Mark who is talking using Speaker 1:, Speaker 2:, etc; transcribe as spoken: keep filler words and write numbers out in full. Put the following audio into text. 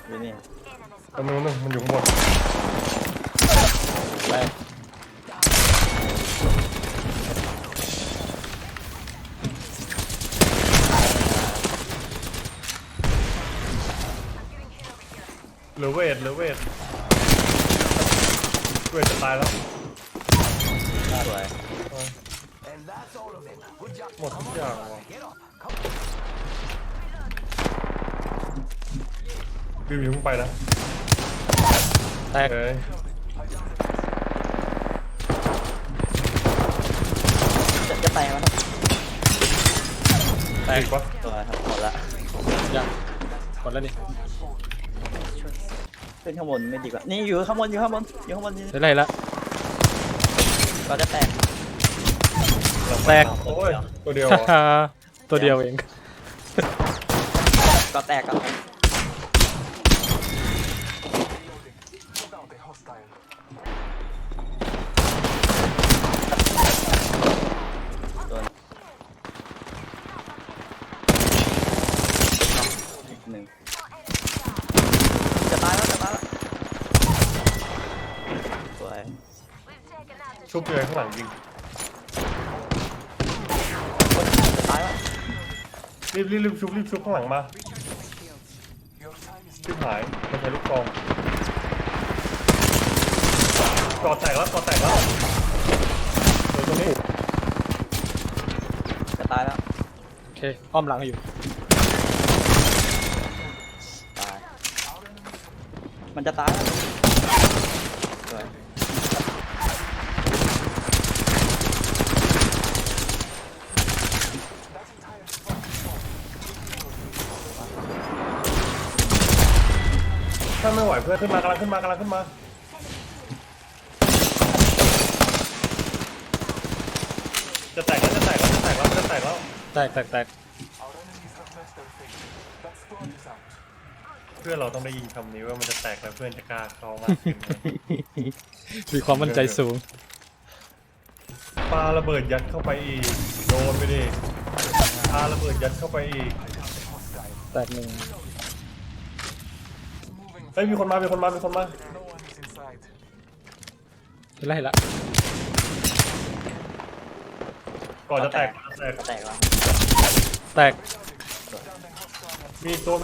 Speaker 1: อยู่นี่
Speaker 2: ตรงนู้นนึงมันอยู่ข้างบน
Speaker 1: ไป
Speaker 2: เหลือเวทเหลือเวทเวทจะตายแล้ว
Speaker 1: สวย
Speaker 2: หมดทุกอย่างว่ะบิวอยู่ข้างไปนะ
Speaker 3: แตก
Speaker 2: เอ้ย
Speaker 1: จะจะแตกแล้วครับ
Speaker 3: แตก
Speaker 2: อีกปะ
Speaker 1: ตัวครับหมดละ
Speaker 3: ยังหมดแล้วนี่
Speaker 1: ขึ้นข้างบนไม่ดีกว่านี่อยู่ข้างบนอยู่ข้างบนอยู่ข้างบนนี่
Speaker 3: ได้ไรละ
Speaker 1: ก็จะแตก
Speaker 3: แตก
Speaker 2: โอ้ยตัวเดียว
Speaker 3: ฮ่า
Speaker 2: อ่ะ
Speaker 3: ฮ่าตัวเดียวเอง
Speaker 1: ก็แตกก็แตกโดนอีกหนึ่งจะตายแล้วจะตายแล้วสวย
Speaker 2: ชุบเลยข้างหลังยิง
Speaker 1: จะตายแล้ว
Speaker 2: รีบรีบรีบชุบรีบชุบข้างหลังมาชิบหายไม่ใช่ลูกกองกอดแตกแล้วกอดแตกแล้วเดี๋ยวตรงนี้
Speaker 1: จะตายแล้ว
Speaker 3: โอเคอ้อมหลังอยู่
Speaker 1: ตายมันจะตายแล้วสวย
Speaker 2: ถ้าไม่ไหวเพื่อนขึ้นมากำลังขึ้นมากำลังขึ้นมาจะแตกแล้วจะแตกแล้วจะแตกแล้วจะแตกแล้ว
Speaker 3: แตกแตกแตก
Speaker 2: เพื่อนเราต้องได้ยินคำนี้ว่ามันจะแตกแล้วเพื่อนจะกล้าเข้ามากขึ้นนะ
Speaker 3: มีความมั่นใจสูง
Speaker 2: ปาระเบิดยัดเข้าไปอีกโดนไปดิปาระเบิดยัดเข้าไปอีก
Speaker 3: แตกหนึ่ง
Speaker 2: เฮ้ยมีคนมามีคนมามีคนมา
Speaker 3: ได้ไรละ
Speaker 2: ก่อนจะแตกก่อนจะแตก
Speaker 1: จะแตกแล้ว
Speaker 3: แตก
Speaker 2: มีตัว